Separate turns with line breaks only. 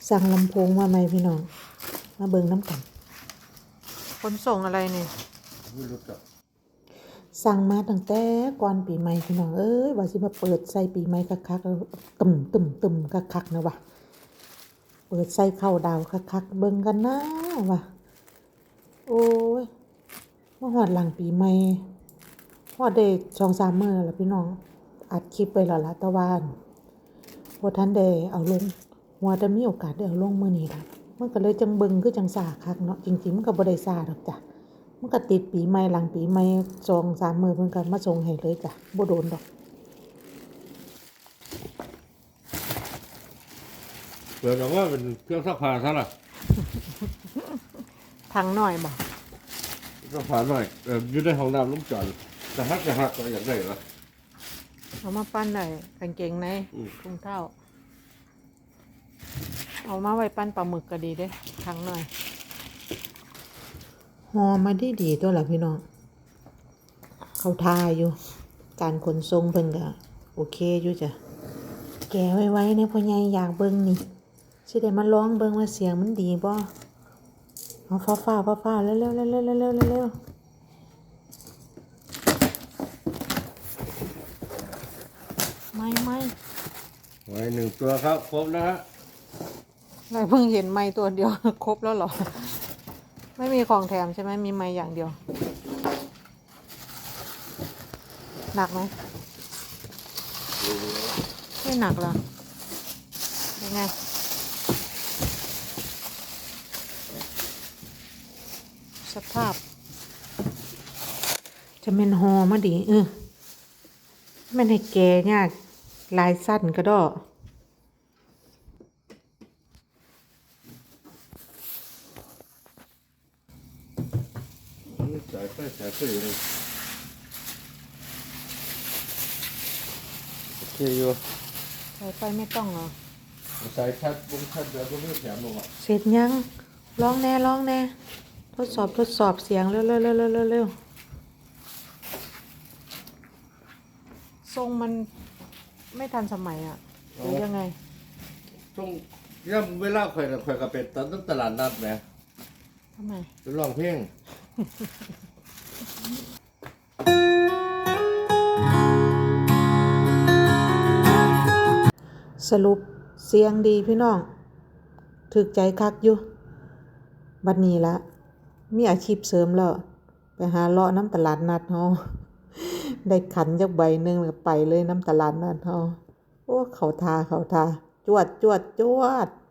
สั่งลำโพงมาไหมพี่น้องมาเบิ่งน้ำกันขนส่งอะไรเนี่ย
ไม่รู้จัก
สั่งมาตั้งแต่ก่อนปีใหม่พี่น้องเอ้ยว่าสิมาเปิดใส่ปีใหม่คักๆแล้วตึมคักๆนะวะเปิดใส่เข้าดาวคักๆเบิ่งกันนะวะโอ้ยมาฮอดหลังปีใหม่ฮอดได้2-3 มื้อแล้วพี่น้องอัดคลิปไว้แล้วล่ะแต่ว่าบ่ทันได้เอาลงว่าแต่มีโอกาสได้เอาลงมื้อนี้ล่ะมันก็เลยจังเบิ่งคือจังซ่าคักเนาะจริงๆมันก็บ่ได้ซ่าดอกจ้ะมันก็ติดปีใหม่หลังปีใหม่2-3 มื้อเพิ่นก็มาส่งให้เลยจ้ะบ่โดนดอก
เปิดออกว่าเป็นเครื่องซักผ้าซะล่ะ
ถังหน่อยบ่
ซักผ้าหน่อยอยู่ในห้องน้ำลุงจอนจะหักก็อยากได้เหรอ
เอามาปั้นได้กางเกงในถุงเท้าเอามาไว้ปั้นปลาหมึกก็ดีเด้ถังหน่อยห่อมาดีๆตัวล่ะพี่น้องเขาทาอยู่การขนส่งเพิ่นก็โอเคอยู่จ้ะแกะไว้ๆเนี่ยพ่อใหญ่อยากเบิ่งนี่สิได้มาลองเบิ่งว่าเสียงมันดีบ่เอาฟ้าๆเร็วๆๆๆๆไม่
ไว้1 ตัวครับครบนะฮะ
อะไรเพิ่งเห็นไม้ตัวเดียว ครบแล้วเหรอไม่มีของแถมใช่ไหมมีไม้อย่างเดียวหนักไหมไม่หนักหรอเป็นไงสภาพจะเป็นหอมาดีมันให้แกยากลายสั้นก็ดอ
สายไฟเลยโอเคอยู่
สายไฟไม่ต้องเหรอ
สายชัดวงชัดเดี๋ยวก็ไม่แถมลงอ่ะ
เสร็จยังลองแน่ทดสอบเสียงเร็วทรงมันไม่ทันสมัยอ่ะหรือยังไง
ช่วงย่ำเวลาข่อยกับเป็ดตอนต้องตลาดนัดแหม
ทำไม
ไปร้องเพลง
สรุปเสียงดีพี่น้องถึกใจคักอยู่บัดนี้ละมีอาชีพเสริมแล้วไปหาเลาะน้ำตลาดนัดเฮาได้ขันจักใบหนึ่งแล้วไปเลยน้ำตลาดนัดเฮาโอ้เขาทาจวด